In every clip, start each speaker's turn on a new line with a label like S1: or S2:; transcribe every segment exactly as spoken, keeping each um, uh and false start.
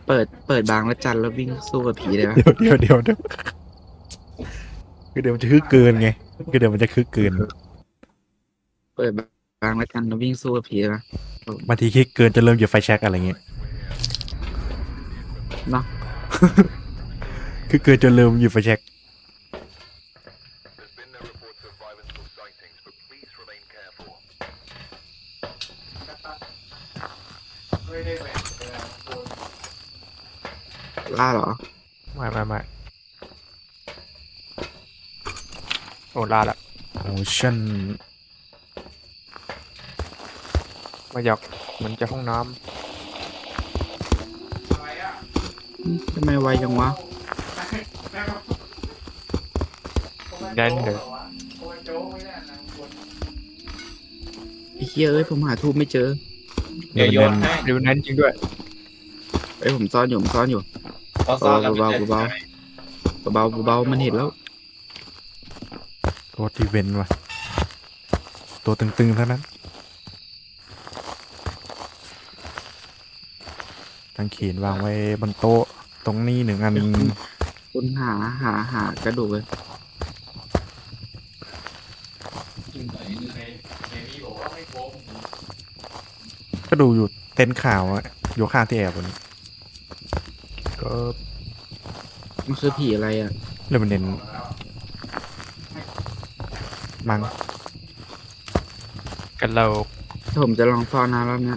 S1: เปิดเปิดบางละจันแล้ววิ่งสู้กับผีเลยปะ
S2: เดี๋ยวเดี๋ยวเดี๋ยวเดี๋ยวคือเดี๋ยวมันจะคึกเกินไงคือเดี๋ยวมันจะคึกเกิน
S1: เปิดบางละจันแล้ววิ่งสู้กับผีเลยปะ
S2: บางทีคึกเกินจะเริ่มหยิบไฟแช็กอะไรเงี้ย
S1: เนาะ
S2: คือเกินจนเริ่มหยิบไฟแช็ก
S1: ล่าเหรอ
S3: ไม่ไม่ไม่โอ้ลาละ
S2: โอ้ชั่น
S3: มาอยากเหมือนจะห้องน้
S1: ทำไมไวจังวะ
S3: ำแน่นเลย
S1: ไอ้เหี้ยเอ้ยผมหาทูบไม่เจอ
S4: เดี๋ยวโยนให้
S3: ดูแน่นจริงด้วย
S1: เอ้ยผมซ่อนอยู่ผมซ่อนอยู่
S4: พอซ้อนแล้ว
S1: เบา
S4: มัน
S1: ๆ
S4: จะ
S1: เบา เบาๆเบาๆมันเห็นแล้ว
S2: ตัวที่เว้นว่ะตัวตึงๆเท่านั้นทั้งเขียนวางไว้บนโต๊ะตรงนี้หนึ่งอัน
S1: คุณหาหาหากระดูกเลย
S2: ก็ดูอยู่เต็นท์ข่าวอะอยู่ข้างที่แอบบนนี้
S3: ก็
S1: มันคือผีอะไรอ่ะ
S2: เรื่องมันเน้นมัง
S3: กันเรา
S1: ผมจะลองซ่อนนะรอบเนี้ย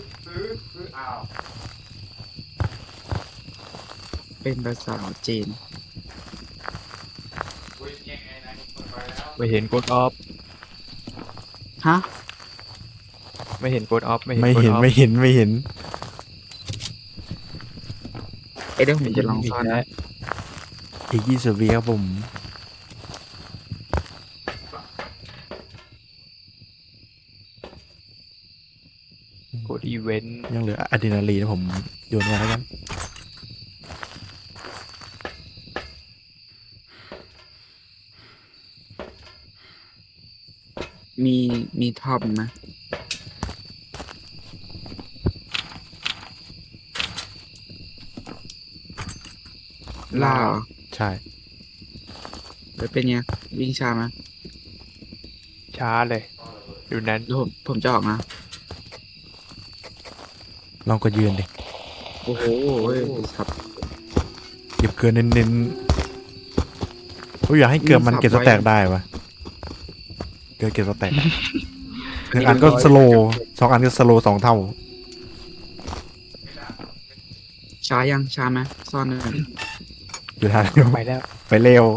S1: เป็นภาษาจีน
S3: ไม่เห็นกดออฟ
S1: ฮะ
S3: ไม่เห็นกดออฟไม่
S2: ไม่
S3: เห็
S2: เห็
S3: น
S2: นไม่เห็นไม่เห็น
S1: เอ้ยเดี๋ยวผมจะลองซ่อนนะ
S2: อีกยี่สิบวิครับผม
S3: กดอีเวนต์
S2: ยังเหลืออะดรีนาลีนผมโยนไว้แล้วกัน
S1: มีมีท็อปไหมล่าเหรอ
S2: ใช่
S1: แล้วเป็นไงวิ่งช้าไหม
S3: ช้าเลย ดูนั้น
S1: เดี๋ยวผมผมจะออกนะ
S2: ลองก็ยืนดิ
S1: โอ้โหเฮ้ยสับ
S2: เก็บเกินเน้นๆผมอยากให้เกินมันเก็บสแต็กได้ปะเกินเก็บสแต็กหนึ่งอันก็สโลว์สองอันก็สโลว์สองเท่า
S1: ช้ายังช้าไหมซ่อนเลย
S2: อยู่ทางเดียว
S3: ไปแล้ว
S2: ไปเร็ว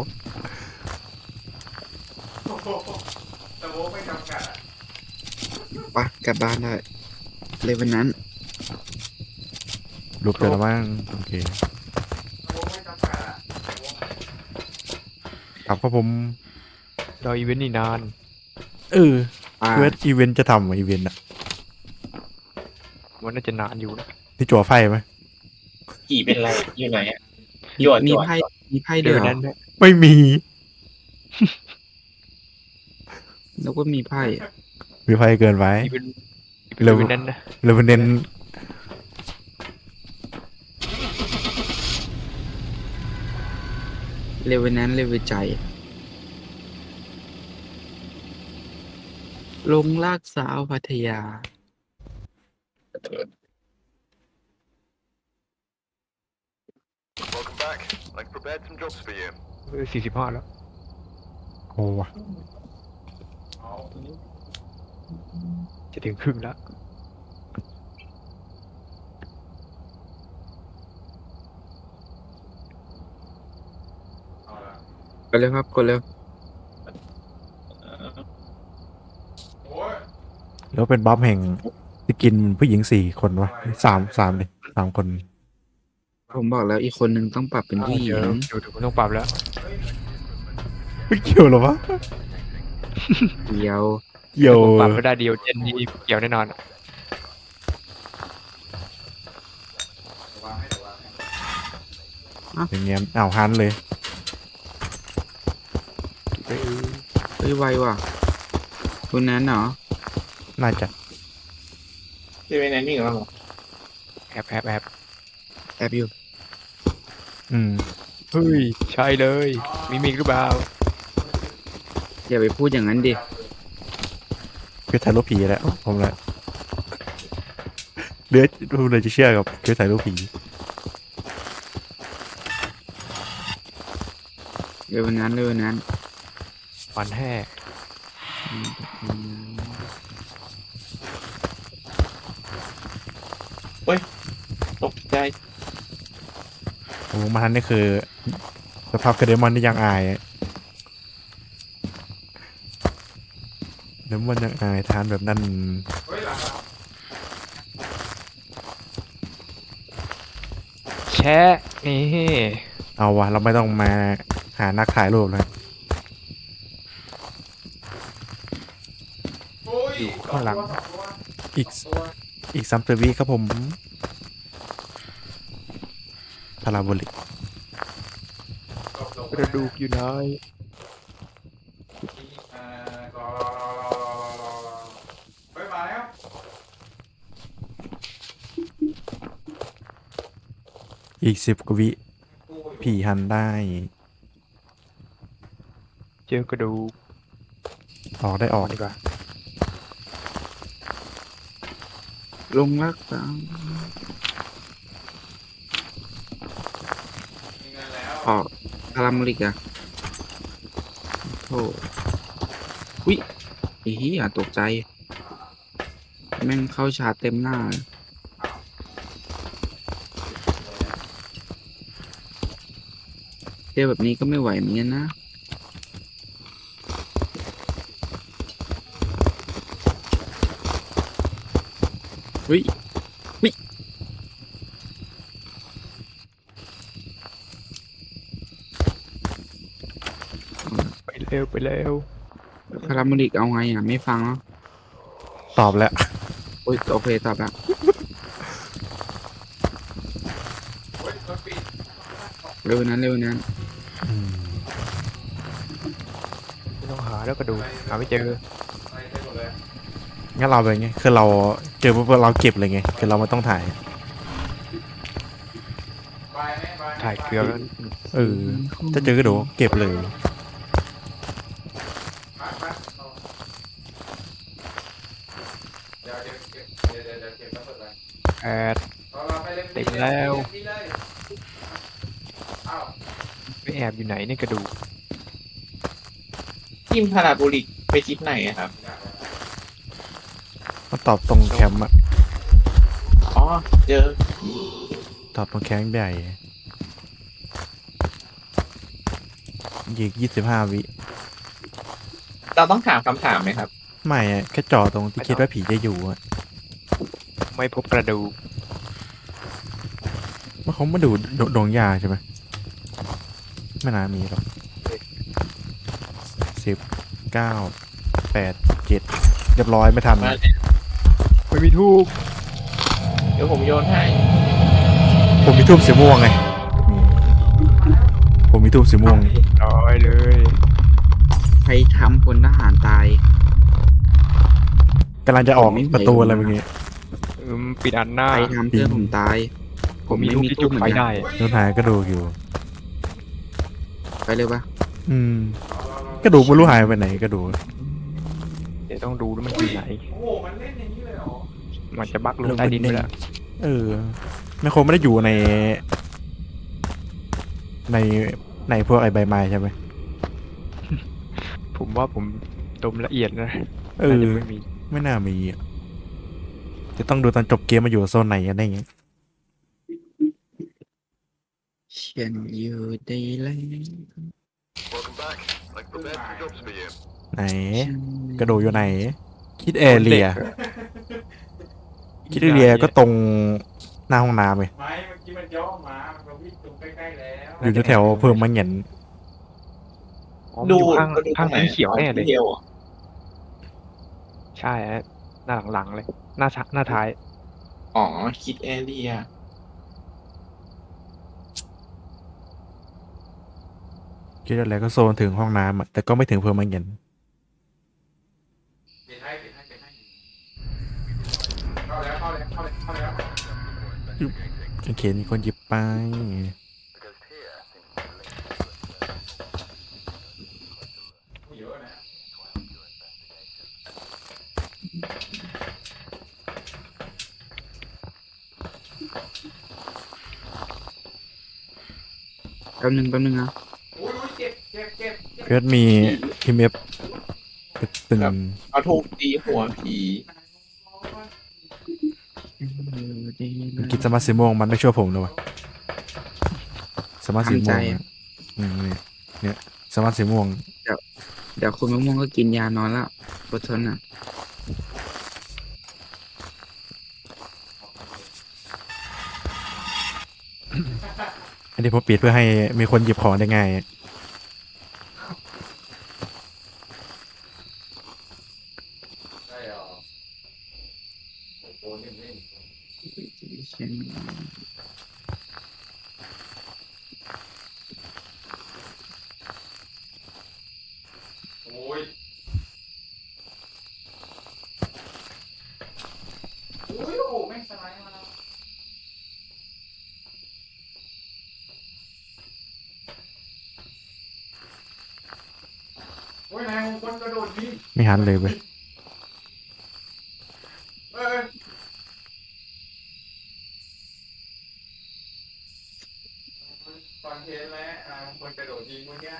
S1: ไปกลับบ้านได้เลยวันนั้น
S2: หลุดไปแล้วมั้งโอเคครับครับผม
S3: รออีเวนต์นี่นาน
S2: เออ
S1: อ่า
S2: เพื่ออีเวนต์จะทำอีเวนต์อะ
S3: มันน่าจะนานอยู่นะ
S2: นี่จั่วไฟไหม
S4: กี่เป็นไรอยู่ไหนอะหยวน
S1: มี
S4: หยวน
S1: ไพ่มีไพ่
S3: เดี๋
S1: เดี
S3: ย
S1: ยว ว
S3: นั้นด้วย
S2: ไม่มี
S1: แล้วก็มีไพ่
S2: มีไฟเกินไป
S3: อีเวนต์อี
S2: เร็ว
S3: เวนต์นั้นนะ
S2: เลยมันเน้น
S1: เร็ววันนั้นเร็วใจ ลงลากสาวพัทยา
S5: Welcome back. I've prepared some jobs for you.
S3: สี่สิบห้าแล้ว
S2: โอ้วะ
S3: จะถึงครึ่งแล้ว
S1: กดเร็วครับกดเร็ว
S2: แล้วเป็นบัฟแห่งสกินผู้หญิงสี่คนวะสามสามเลยสามคน
S1: ผมบอกแล้วอีกคนหนึ่งต้องปรับเป็นผู้หญิ
S3: เดี๋ยว
S1: ง
S3: เดี๋ยวเดี๋ยวผมต้องปรับแล้ว
S2: ไม่เกี่ยวหรอวะ
S1: เดียว
S2: เกี่ยว
S3: ผมปรับไม่ได้เดียวเจนนี่เกี่ยวแน่นอน
S2: อย่างเงี้ยอ้าวฮันเลย
S3: เฮ้ย
S1: เฮ้ยไวว่ะคุณนั้นเหรอ
S2: น่าจะ
S4: ที่เป็นไหนนี่เหรอ
S3: แอบแอบแอบ
S1: แอบอยู่
S2: อืม
S3: เฮ้ย ใช่เลย มีมิกหรือเปล่า
S1: อย่าไปพูดอย่างนั้นดิ
S2: คือถ่ายรูปผีแหละผมแหละเหลือดูเลยจะเชื่อกับคือถ่ายรูปผี
S1: เร็วนั้นเร็วนั้น
S3: วันแห่
S4: ตกใจ
S2: โอ้มาทันนี่คือสภาพกระเดมอนที่ยังอายอะเดมอนยังอายทานแบบนั้น
S3: แชะนี่
S2: เอาวะเราไม่ต้องมาหานักถ่ายรูปเลย
S3: อยู่ข้างหลัง
S2: อีกอีกสามสิบวิครับผมพาราโบลิก
S3: กระดูกอยู่ไหน
S2: อีกสิบกว่าวิผีหันได้
S3: เจอกระดูก
S2: ออกได้อ
S3: อ
S2: อ
S3: อก กดีกว่า
S1: ลงรักษาออกพารามลิกอะโอ้วิไอ้เหี้ยตกใจ แม่งเข้าชาร์จเต็มหน้าเลยเจอแบบนี้ก็ไม่ไหวเหมือนกันนะ เฮ้ยวิ
S3: ไปเร็วไปเร็ว
S1: พารามลิกเอาไงอ่ะ ไม่ฟังแล้ว
S2: ตอบแล้ว
S1: โอ้ยโอเคตอบแล้วเร็วนั้นเร็วนั้น
S2: อืม
S3: ไม่ต้องหาแล้วกระดูกหาไม่เจอ
S2: งั้นเราเป็นไงคือเราเจอปุ๊บเราเก็บเลยไงคือเราไม่ต้องถ่าย
S3: ถ่ายเกลือแล้ว
S2: เออถ้าเจอกระดูกเก็บเลย
S3: แอดเต็มแล้วไม่แอบอยู่ไหนเนี่ยกระดูก
S4: ทีมพาราโบลิกไปทิศไหนอะครับ
S2: มาตอบตรงแคมป์อะ
S4: อ๋อ เจอ
S2: ตอบตรงแคมป์ใหญ่ยีกยี่สิบห้าวิ
S4: เราต้องถามคำถามไหมครับ
S2: ไม่อะแค่จอดตรงที่คิดว่าผีจะอยู่อะ
S3: ไม่พบกระดูก
S2: ว่าเขามาดูดดงยาใช่ไหมไม่น่ามีหรอกสิบเก้าแปดเจ็ดเรียบร้อยไม่ทัน
S4: มา
S3: ไม่มีทูบ
S4: เดี๋ยวผมโยนให้
S2: ผมมีทูบสีม่วงไงอืมผมมีทูบสีม่วง
S3: ร้อยเลย
S1: ใครทำพลทหารตาย
S2: กำลังจะออก
S1: ผมไม่ไหว
S2: ประตูอะไรเมื่อกี้
S3: อืมปิดอันหน้า
S1: ใครทำเพื่อนผมตาย
S3: ผมมีทูบที่จุดไฟได้
S2: โดนหายกระดูกอยู่
S1: ไปเลยปะ
S2: อืมกระดูกไม่รู้หายไปไหนกระดูก
S3: เดี๋ยวต้องดูว่ามันอยู่ไหนมันจะบักลงใต้ดินไปแล้ว
S2: เออไม่คงไม่ได้อยู่ใน ในในพวกไอใบไม้ใช่ไหม
S3: ผมว่าผมดมละเอียดนะ
S2: เอ
S3: น่า
S2: อ
S3: จะไม่มี
S2: ไม่น่ามีอะจะต้องดูตอนจบเกมมาอยู่โซนไหนกันได้ไง
S1: ฉันอยู่ได้แล้ว
S5: Welcome back. I've prepared some jobs for you.
S2: ไหน กระดูกอยู่ไหน คิดแอเรีย คิดแอเรียก็ตรงหน้าห้องน้ำไง
S6: ไม่เมื่อกี้มันย่อมาเราวิ่งตรงใกล้ๆแล้ว
S2: อยู่แถวๆเพิ่มมันเหงียน
S3: อ๋อมันอยู่ข้าง
S4: ดู
S3: ข้าง
S4: ตร
S3: สีเขียวแน่เลย
S4: เดียวอะ
S3: ใช่ฮะหน้าหลังๆเลย หน้าชะหน้าท้าย
S4: อ๋อ คิดแอเรีย
S2: คิดอะไรก็โซนถึงห้องน้ำอะแต่ก็ไม่ถึงเพิ่มมันเหงียน
S6: เปลี่ยนให้เปลี่ยนให้เปลี่ยนให้เข้าแล้วเข้าแล้วเข้าแล้วเข้าแล้ว
S2: แโอเคมีคนหยิบไป
S6: เยอะนะ
S1: แป๊บนึงแป๊บนึงนะ
S6: อุ้ยอุ้ยเจ็บเจ็บเจ็บเจ็บ
S2: เพื่อนมีทีมเอฟเป็น
S4: เอาถูกตีหัวผี
S2: มันกินสมาร์ทสีม่วงมันไม่ช่วยผมเลยวะสมาร์ทสีม่วงอะอืมนี่เนี่ยสมาร์ทสีม่วง
S1: เดี๋ยวคุณมะม่วงก็กินยานอนแล้วอดทนอ่ะ
S2: อันนี้ผมปิดเพื่อให้มีคนหยิบของได้ง่าย
S6: ได้เหรอโอ้โหนิ่ม
S1: เช่น
S6: ๆโอ้ยอุ้ยโอ้โหแม่งสไลด์มาแล้วโอ้ยนายมงคลกระโดดยิง
S2: ไม่หันเลยเว้ย
S6: เออตอนเทนแล้วนายมงคลกระโดดยิงเมื่อกี้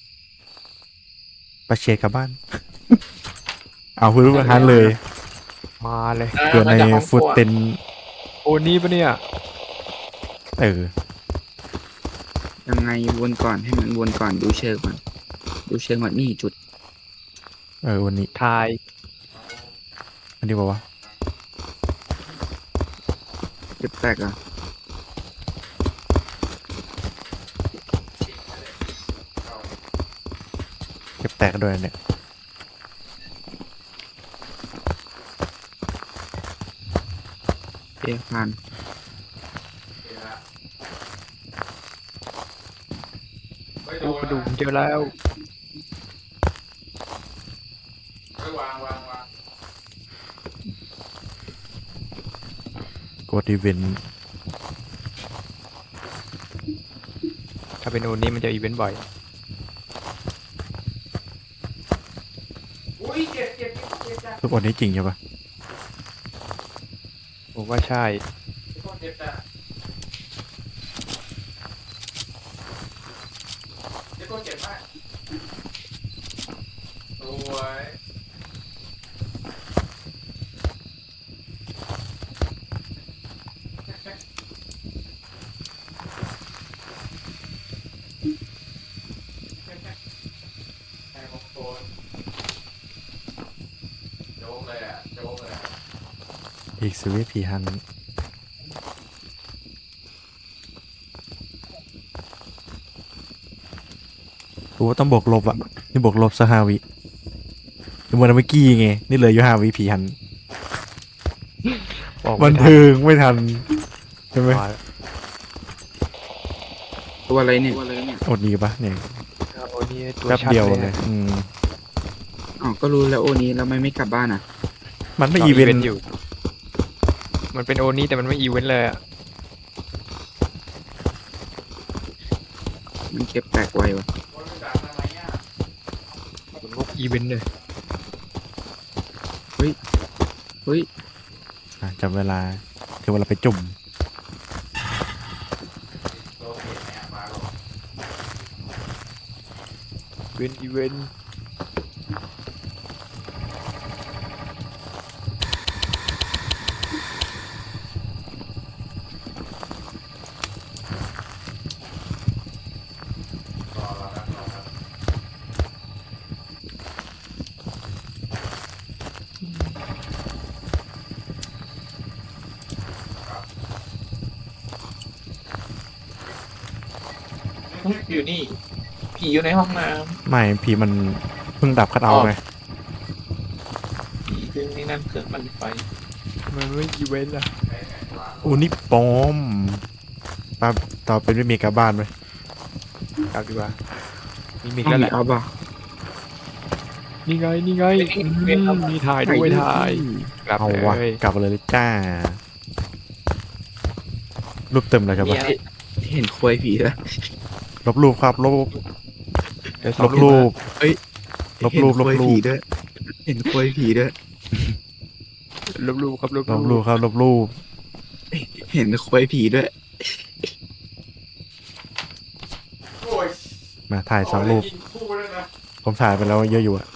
S2: ไปเชียร์กลับบ้าน เอาคุณรู้หันเลย
S3: มาเลย
S2: เกิดใน
S4: มาจากห้องค
S2: ฟุต
S4: รัว
S2: เต็น
S3: โอ้นี่ปะเนี่ย
S2: เออ
S1: ยังไงวนก่อนให้มันวนก่อนดูเชิงก่อนดูเชิงก่อนนี่จุด
S2: เออวันนี้
S3: ทาย
S2: อันนี้บอกว่า
S1: เก็บแตกเหรอ่ะ
S2: เก็บแตกด้วยเนี่ย
S1: เอยผ่าน
S6: ไม่โด
S3: โอ้
S6: น
S3: กระดูก
S6: นะ
S3: เจอแล้ว
S6: ไม่วางวางวาง
S2: กดอีเวนต์
S3: ถ้าเป็นโอนี้มันจะอีเวนต์บ่อย
S6: อุ้ยเจ็บเจ็บเจ็บเจ็บจ้ะ
S2: ทุกวันนี้จริงใช่ปะ
S3: ผมว่าใช่
S6: ทุกคนเจ็บจ้ะเจ็บตัวเจ็บมากสวยไอ้มงคลโจ๊กเลยอ่ะโจ๊กเลยอะ
S2: อีกสวิตผีฮันโอ้ต้องบวกลบอ่ะ นี่บวกลบสหาวิเหมือนเมื่อกี้ไง นี่เหลยอยู่ห้าวิผีฮัน
S3: บอก
S2: บั
S3: ไม่
S2: น
S3: ทัน
S2: เทิงไม่ทัน ใช่ไหม
S3: มา
S1: ตัวอะไรเนี่ยตัวอะไรเนี่ย
S2: อดดีปะเนี่ย
S3: โอนี่ตัว
S2: แป๊บ
S3: ชัด
S2: เดียว
S3: เลย
S2: เล
S3: อะ
S2: ย อืม
S1: อ๋อก็รู้แล้วโอนี้แล้วทำไมไม่กลับบ้านอ่ะ
S2: มันไม่
S3: ต่
S2: อีเวนต์
S3: อยู่ มันเป็นโอนี้แต่มันไม่อีเวนต์เลยอะ
S1: มันเก็บแตกไววะ
S6: คนมันดังทำไมอ่ะ
S3: มันก็อีเวนต์เลย
S1: เฮ้ย
S2: อ่ะจำเวลาถึงเวลาไปจุ่ม
S6: โดนเห็นเนี่ยมาหรอก
S3: เวนต์อีเวนต์
S6: รอรอครับรอครับ
S4: อยู่นี่ ผีอยู่ในห้องน้
S2: ไม่ผีมันเพิ่งดับคัดเอาท์ไง
S4: ำผีซึ่งนี่นั่นเครื่องมันไฟ
S3: มันไม่อีเวนต์อะ
S2: อู้นี่ปลอมป้าต่อเป็นไม่มีกลับบ้านไหม
S3: กลับดีกว่ามีมิก
S1: ห้อ
S3: แล้ว
S1: ง
S3: แห
S1: มี
S3: ละ
S1: ออฟอ่ะ
S3: นี่ไงนี่ไงอืมมีถ่ายด้วยถ่ายกลับ
S2: เอา
S3: เล
S2: วะ
S3: ย
S2: กลับเลยจ้ารูปเต็มเลยครับ
S1: มี
S2: วะ
S1: อะไรเห็นควยผีแล้ว
S2: ลบรูปครับลบ
S3: เดี๋ยวส
S2: ล
S3: อง
S2: บรูป
S1: เฮ้ย
S2: ลบรูป
S1: เห็นควย
S2: ลบรูป
S1: ผีด้วยเห็นควยผีด้วย
S3: ลบรูปครับลบ
S2: ลบรูปครับลบรูป
S1: เห็นควยผีด้วย
S6: โอ้ย
S2: มาถ่ายสองรูป
S6: ยิงคู่ด้วยนะ
S2: ผมถ่ายไปแล้วเยอะอยู่อะ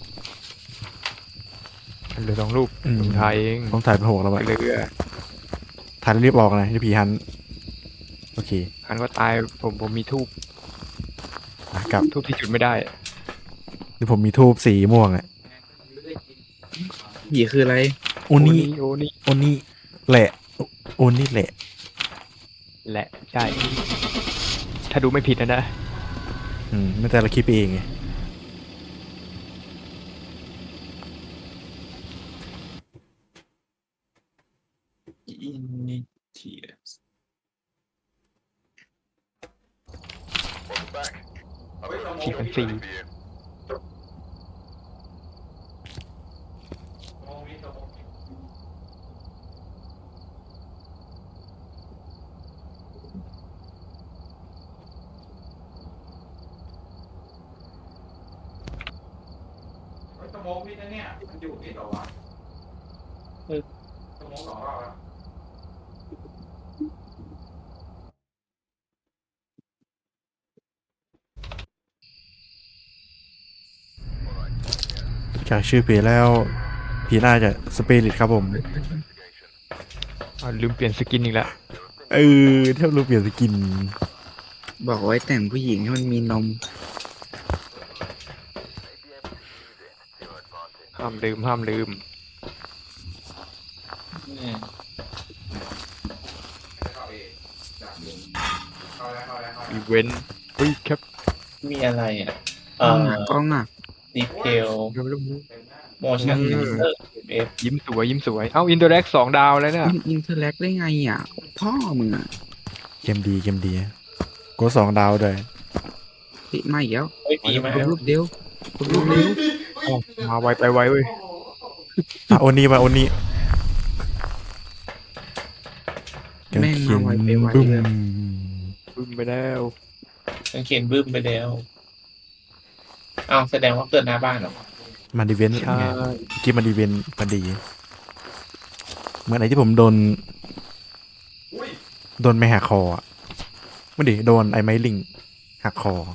S3: เหลือสองรูป
S2: อืม
S3: ผมถ่ายเอง
S2: ผมถ่ายเป็นหกแล้ว
S3: ไป
S2: อะ
S3: เรือ
S2: ถ่ายแล้วรีบออกนะที่ผีฮันโอเค
S3: หันว่าตายผมผมมีทูบ
S2: อ่ะกลับ
S3: ทูบที่จุดไม่ได้
S2: ที่ผมมีทูบสีม่วงอะ
S1: ผีคืออะไร
S2: โอนี่
S3: โอนี่
S2: โอนี่แหละโอนี่แหละ
S3: แหละใช่ ถ้าดูไม่ผิดนะนะ
S2: อืมไม่แต่เราคิดไปเองไง
S4: อินนิเทีย
S5: Welcome back. I've got some
S3: สี่
S5: more
S3: พันสี่
S5: ready for you.
S6: มองวิทย์กับมองวิทย์เฮ้ยสโมองวิทย์นะเนี่ยมันอยู่นี่เหรอวะเออสโมองสองรอบแล้ว
S2: จากชื่อผีแล้วผีน่าจะสเปริตครับผม
S3: อ่าลืมเปลี่ยนสกินอีกแล้ว
S2: เออเท่ารูปเปลี่ยนสกิน
S1: บอกไว้แต่งผู้หญิงให้มันมีนม
S3: ห้ามลืมห้ามลืม
S4: เนี่ย
S6: เข้าเองจากเดิมเข้าแล้วเข้าแล้วเข้า
S3: อี
S6: แล้ว
S3: เวนต์เฮ้ยครับ
S4: มีอะไรอ่ะ
S1: ก
S4: เอ่
S1: ล้อง
S4: อ
S1: อ่ะกล้องอ่ะ
S4: ดีเทล
S3: เริ่ม
S6: เต็มหน้า
S4: โมชั่น
S1: อืม
S4: เซอร์เอฟ
S3: ยิ้มสวยยิ้มสวย เอ้าอินเตอร์แอคสองดาวแล้วเนี่ย
S1: อินเทอร์แลกได้ไงอ่ะ พ่อมึงอ่ะ
S2: เกมดีเกมดีกดสองดาวด้วย
S1: ติมาอีกแล้ว
S4: เฮ้ยผีมาแล้ว
S1: รูปเดียวรูปเดียว
S3: เอ้ามาไวไปไวเว้ย
S2: อ่ะโอนี่มาโอนี่
S1: แม่งมาไวไปไว
S2: บึ้ม
S1: เลย
S3: บึ้มไปแล้ว
S4: กางเขนบึ้มไปแล้วอ้าวแสดงว่าเกิดหน้าบ้านเหรอ
S2: มาดีเวนต์
S3: ใช่
S2: ไงเมื่อกี้มาดีเวนต์พอดีเหมื่อนไหนที่ผมโดน
S6: อุ้ย
S2: โดนไม่หักคออ่ะไม่ดิโดนไอ้ไม้ลิงหักคอ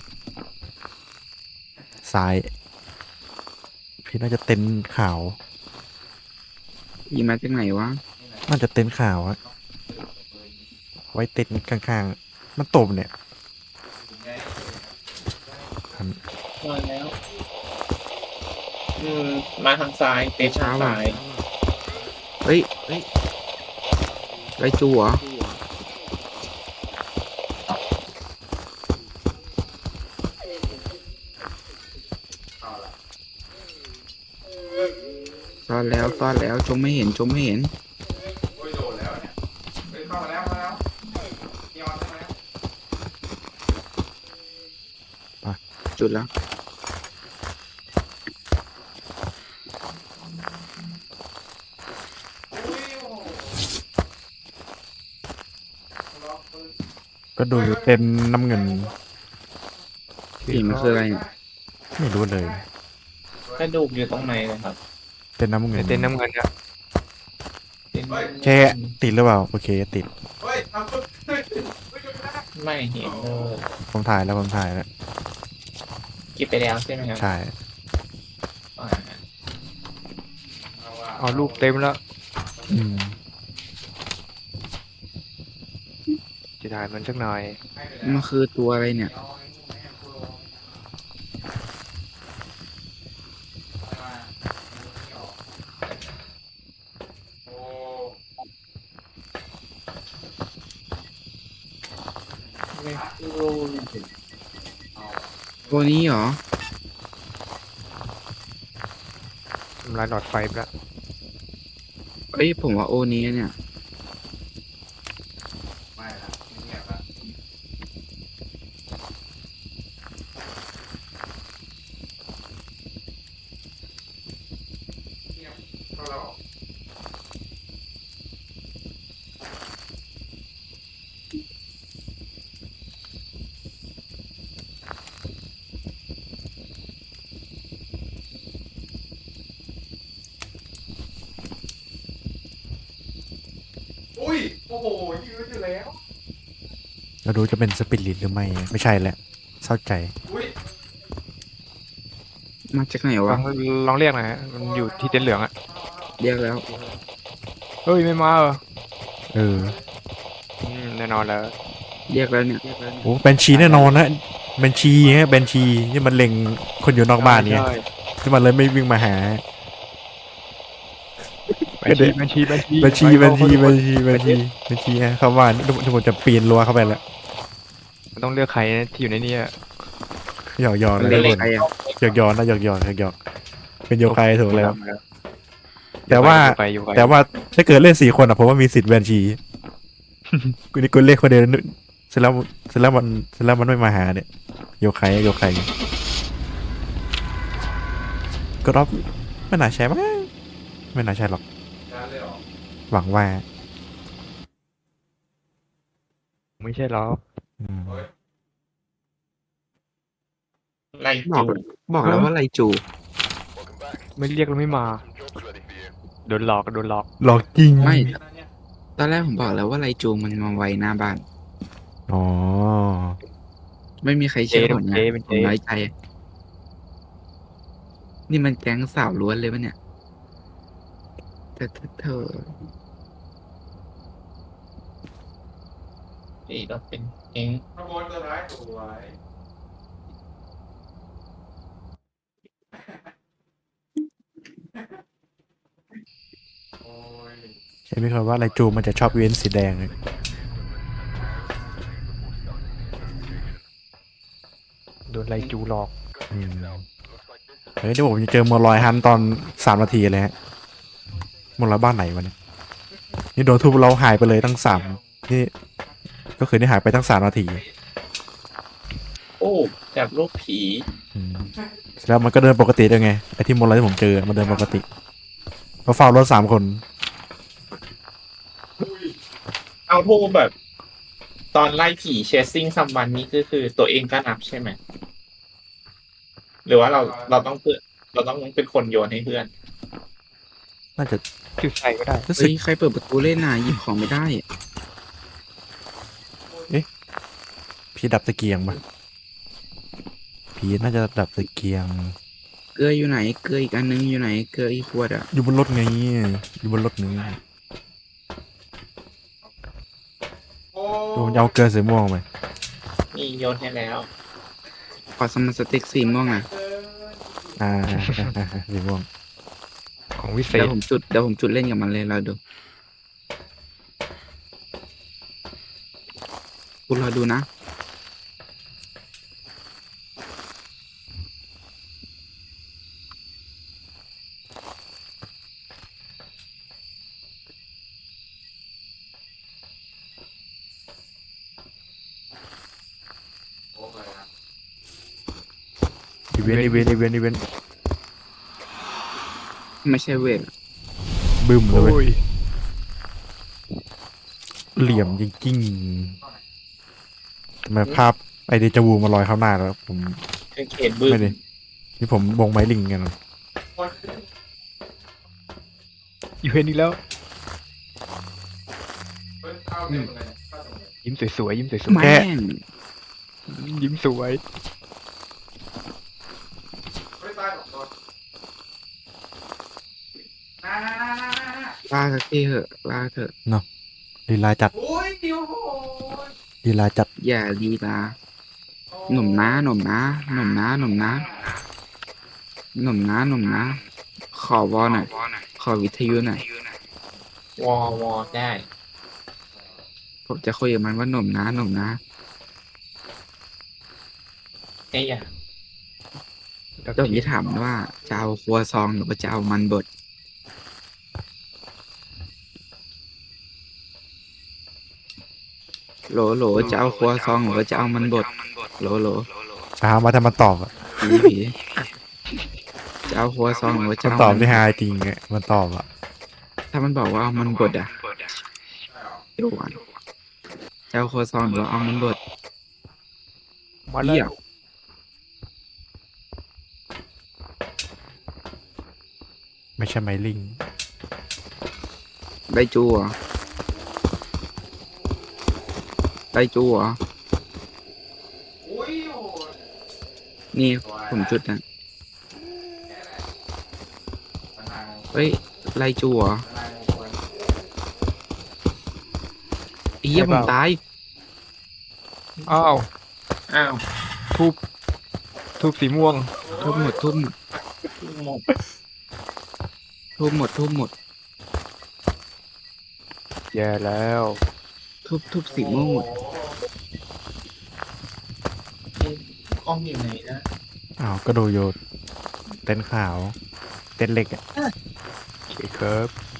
S2: ซ้าย พี่น่าจะเต็นท์ขาว
S1: ผีมาจากไหนวะ
S2: น่าจะเต็นท์ขาวอะไว้เต็นท์ข้างๆ มันตบเนี่ยอัน
S4: มาแล้ว อืม มาทางซ้ายเตะทางซ้าย
S1: เฮ้ยเฮ้ยไรจูเหรอซ่อนแล้วซ่อนแล้วชมไม่เห็นชมไม่เห็น
S6: โอ้ยโดดแล้วเนี่ยเฮ้ยเข้ามาแล้วเข้ามาแล้วยอนเข้ามาแล้ว
S1: จุดแล้ว
S6: อุ้ยโอ้โหล็อกปืน
S2: ก็ดูเต็นท์น้ำเงิน
S1: ผีมันคืออะไรเนี่ย
S2: ไม่รู้เลย
S4: กระดูกอยู่ตรงไหนเลยครับ
S2: เต็นท์น้ำเงิ
S3: ใน
S2: น
S3: เต้นน้ำเงินครับ
S4: เป็น
S2: แค่ติดหรือเปล่า โอเค ติด
S6: เฮ้ยทำปืนเฮ้ยเฮ้ยไม่ได้
S4: ไม่เห็นเลย
S2: ผมถ่ายแล้วผมถ่ายแล้ว
S4: เก็บไปแล้วใช่ไหมครับ
S2: ใช่
S4: อ่า
S6: เอาว่ะ
S3: เอารูปเต็มแล้ว
S2: อืม
S3: จะถ่ายมันสักหน่อย
S6: ให้ไปแล้ว
S1: มันคือตัวอะไรเนี่ย
S6: เอาไอ้พวกแม่งพวกเอามาไม่ออกโอ้
S1: ตัวนี้เหรอ
S3: ทำลายหลอดไฟไปแล้ว
S1: เอ้ยผมว่าโอนี้เนี่ย
S6: ไม่ละเงียบละเงียบเข้าแล้วออก
S2: เราดูจะเป็นสปิริตหรือไม่ไม่ใช่แหละเศร้าใจ
S6: อุ้ย
S1: มาจากไหน
S3: ลอ
S1: วะ
S3: งลองเรียกหน่อยฮะมันอยู่ที่เต็นท์เหลืองอะ
S1: เรียกแล้ว
S3: เฮ้ยไม่มาเหรอ
S2: เออ
S3: อืมแน่นอนแล้ว
S1: เรียกแล้วเนี่ย
S2: โอ้แบนชีแน่นอนนะแบนชีฮะแบนชีที่มันเล็งคนอยู่นอกบ้านเนี่ย
S3: ใช่
S2: ที่มันเลยไม่วิ่งมาหา
S3: บัญชีบัญชีบัญชี
S2: บัญชี
S3: ไป
S2: บัญ
S3: เข้า
S2: ชี
S3: เข้า
S2: บัญ
S3: ทุกคน
S2: ชีบัญชีบัญชีฮะเข้าบ้านทุกทุกคนจะปีนรั้วเข้าไปแล้ว
S3: มันต้องเลือกใครนะที่อยู่ในนี้อะ
S2: หยอกหยอก
S1: มัน
S2: นะ
S1: เรีย
S2: ทุ
S1: ก
S2: กคน
S1: ใครอ่ะ
S2: หยอกหยอกนะหยอกหยอกหยอกหยอกเป็นโยคายถูกแล้ว
S3: อยู่
S2: แต่ว่า
S3: ไปอยู่ไป
S2: แต่ว่าถ้าเกิดเล่นสี่คนอ่ะผมว่ามีสิทธิ์แบนชีกูนี่กูเล่นคนเดียวเสร็จแล้วเสร็จแล้วมันเสร็จแล้วมันไม่มาหาเนี่ยโยคายโยคายก็รอบไม่น่าใช่มั้งไม่น่าใช่หรอก
S6: การเลยเหรอ
S2: หวังว่า
S3: ไม่ใช่หรอก
S2: อืม
S4: ไล่
S1: บอก
S4: จู
S1: บอกแล้วว่าไรจู
S5: Welcome back.
S3: ไม่เรียกแล้วไม่มา
S5: Some jobs ready for you.
S3: โดนหลอกก็โดนหลอก
S2: หลอกจริง
S1: ไม่ ตอนแรกผมบอกแล้วว่าไรจูมันมาไว้หน้าบ้าน
S2: อ๋อ
S1: ไม่มีใครเชื่อ
S3: เจ๊
S1: ผม
S3: เจ๊
S1: เนี่ย
S3: เป็น
S1: ผ
S3: เจ๊
S1: มน้อยใจ นี่มันแก๊งสาวล้วนเลยปะเนี่ยแต่เธอเธอ
S4: ที่เราเป็นเอง
S6: ขโมยตัวร้ายตัวไว้โอ้ย
S2: ใช่ไหมครับว่าไรจูมันจะชอบเว้นสีแดงเลย
S3: โดนไล่จูหลอก
S2: อืมเฮ้ยเดี๋ยวผมจะเจอมอลลอยฮันตอนสามนาทีเลยฮะมอลลอยบ้านไหนวะเนี่ยนี่โดนทุบเราหายไปเลยตั้งสามนี่ก็คือนี่หายไปตั้งสามนาที
S4: โอ้จับลูกผี
S2: อืมแล้วมันก็เดินปกติด้วยไงไอ้ที่มอลลอยที่ผมเจอมันเดินปกติเราเฝ้ารถสามคน
S4: เอาทูบแบบ ตอนไล่ผีเชสซิ่งซัมวันนี้ก็คือตัวเองก็นับใช่ไหมหรือว่าเราเราต้องเพื่อนเราต้องเป็นคนโยนให้เพื่อน
S2: น่าจะ
S3: จุดใส่ก็ได้
S2: รู้สึ
S1: เฮ้
S2: ก
S1: ยใครเปิดประตูเล่นน่ะหยิบของไม่ได้อะ
S2: ผีดับตะเกียงปะผีน่าจะดับตะเกียง
S1: เกลืออยู่ไหน เกลืออีกอันนึงอยู่ไหน เกลืออีกขวดอ่ะ
S2: อยู่บนรถไงอยู่บนรถนี้
S6: โอ้
S2: ผมจะเอาเกลือสีม่วงไป
S4: นี่โยนให้แล้ว
S1: ขอสมันสติ๊กสีม่วงอ่ะ
S2: อ่า สีม่วง
S3: ของวิเศ
S1: เดี๋ย
S3: ษ
S1: วผมจุดเดี๋ยวผมจุดเล่นกับมันเลยเราดูคุณรอดูนะ
S6: โอ้ยนะ
S2: อีเวนต์อีเวนต์อีเวนต์อีเวนต์
S1: ไม่ใช่เวท
S2: บึ้มเลยเว้
S3: โอ้
S2: ย
S3: ย
S2: เหลี่ยมจริงๆทำไมภาพไอเดจาวูมาลอยเข้าหน้าแล้วผม
S4: คือเขตบึ้ม
S2: ไม่ได้นี่ผมบงไม้ลิงกัน
S6: โอ้ย
S3: อยู่เห็นอีกแล้ว
S6: เฮ้ยเข้าเต็มเลยเข้าตรงเลย
S3: ยิ้มสวยๆยิ้มสวย
S1: แม่ง
S3: ๆยิ้มสวย
S6: เฮ้ยตายสองตัวน่า
S1: ลาสักทีเถอะลาเถอะ
S2: ลีลาจัด
S6: โอ้ยเดียวโหย
S2: ลีลาจัด
S1: อย่าลีลาหนุ่มนะหนุ่มนะหนุ่มนะหนุ่มนะหนุ่มนะหนุ่มนะ ขอวอหน่อยขอวิทยุหน่อยว
S4: อวอได้
S1: ผมจะคุยกับมันว่าหนุ่มนะหนุ่มนะ
S4: ไอ้ยา
S3: แล้ว
S1: เดี๋ยวผมจะถามว่าจะเอาครัวซองหรือว่าจะเอามันบดโหลโหลจะเอาครัวซองหรือว่าจะเอามันบดโหลโหล
S2: ถามมาถ้ามันตอบอะ
S1: ผีผีจะเอาครัวซองหรือว่าจะ
S2: มัน
S1: เอา
S2: ตอบ
S1: มัน
S2: ที่ฮาจริงอะมันตอบอะ
S1: ถ้ามันบอกว่าเอามันบดอ่ะเดี๋ยวก่อนจะเอาครัวซองหรือว่าเอามันบด
S3: มาแล้
S1: เหี้ยว
S2: ไม่ใช่ไม้ลิง
S1: ได้จูเหรอได้จูเหรอนี่ผมจุดนะเฮ้ยไลจูเหรอไอ้เหี้ยผมตาย
S3: อ้าว
S4: อ้าว
S3: ทูบทูบสีม่วง
S1: ทุบหมดทุบหมด
S4: หมด
S1: ทุบหมดทุบหมด
S3: แย่แล้ว
S1: ทุบทุบสีม่วงหมด
S4: กล้องอยู่ไหนนะ
S2: อ้าวก็ดูโยนเต้นขาว เต้นเล็กอะ
S3: โอเคครับ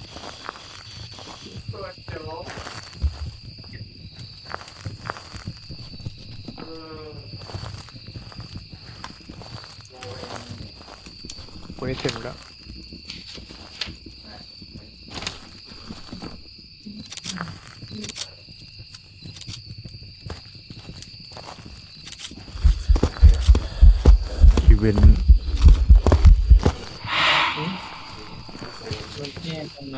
S3: กูนี่ถึงแล้ว
S2: อีเวนต์
S4: มันแย่ตรงไหน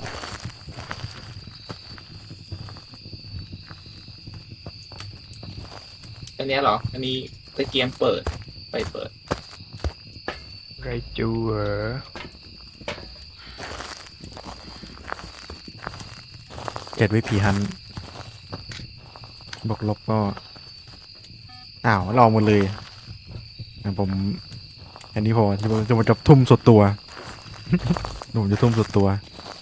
S4: อันเนี้ยเหรอ อันนี้ตะเกียงเปิด ไปเปิด
S3: ไรจูเหรอ
S2: เก็ดไว้ผีฮันบวกลบก็ อ้าวเราหมดเลยอ่ะผม อันนี้พอจะจะมันจะทุ่มสุดตัว หนุ่มจะทุ่มสุดตัว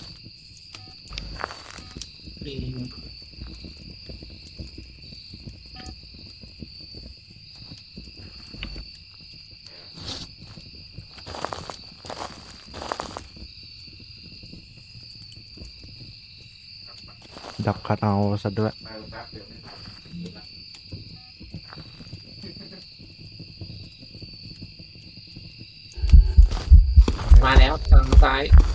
S2: ดับคัดเอาซะด้วย
S4: มาแล้วทางซ้าย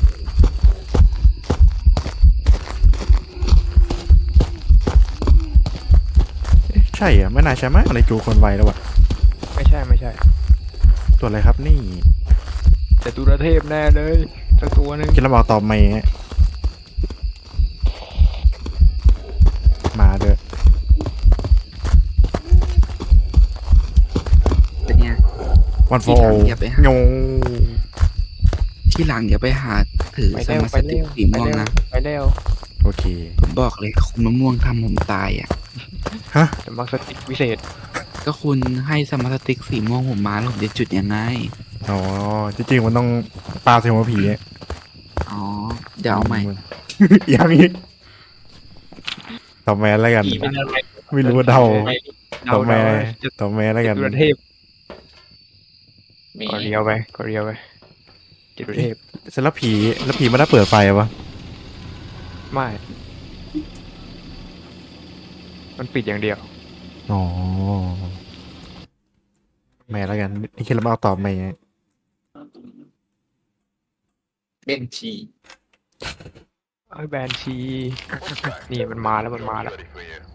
S2: ใช่อ่ะไม่น่าใช่ไหมอะไรจูคนไวแล้ววะ
S3: ไม่ใช่ไม่ใช่
S2: ตัวอะไรครับนี่
S3: แต่ตุรเทพแน่เลยสักตัวหนึ่ง
S2: คิดแล้วบอกตอบไม่ฮะมาเด้อ
S1: เป็นไง
S2: วันโฟ
S1: ที่ถามอย่าไปหา
S2: โย
S1: ที่หลังอย่าไปหาถือ
S3: ไป
S1: ส
S3: เร็ว
S1: มา
S3: ไป
S1: สติ
S3: เร็
S1: ก
S3: ว
S1: สี
S3: ไป
S1: ม่วง
S3: เร็ว
S1: นะ
S3: ไปเร็ว
S2: โอเค
S1: ผมบอกเลยคุณมะม่วงทำผมตายอ่ะ
S2: ฮะ
S3: แต่มักสติกวิเศษ
S1: ก็คุณให้สมาสติกสีม่วงผมมาแล้วผมจะจุดยังไง
S2: อ๋อ จริงๆมันต้องปลาใส่หัวผีอะ
S1: อ๋อ เดี๋ยวเอาใหม่
S2: อย่างนี้ตอบแม่แล้วกัน
S4: ผีเป็นอะไร
S2: ไม่รู้ว่าเดา
S4: ไม่
S2: ตอบแม่
S3: เดาๆจะ
S2: ตอบแม่แล้วกัน
S3: ตุรเทพ
S4: มี
S3: ก็เรียวไปก็เรียวไปจิตุรเทพ
S2: เสร็จแล้วผีแล้วผีมันได้เปิดไฟปะ
S3: ไม่ มันปิดอย่างเดียว
S2: อ๋อ แม่แล้วกัน นี่คิดแล้วมาเอาตอบแม่
S4: เป็นชี
S3: ไอ้ยแบนชี นี่มันมาแล้วมันมาแล้ว
S5: Ready for you.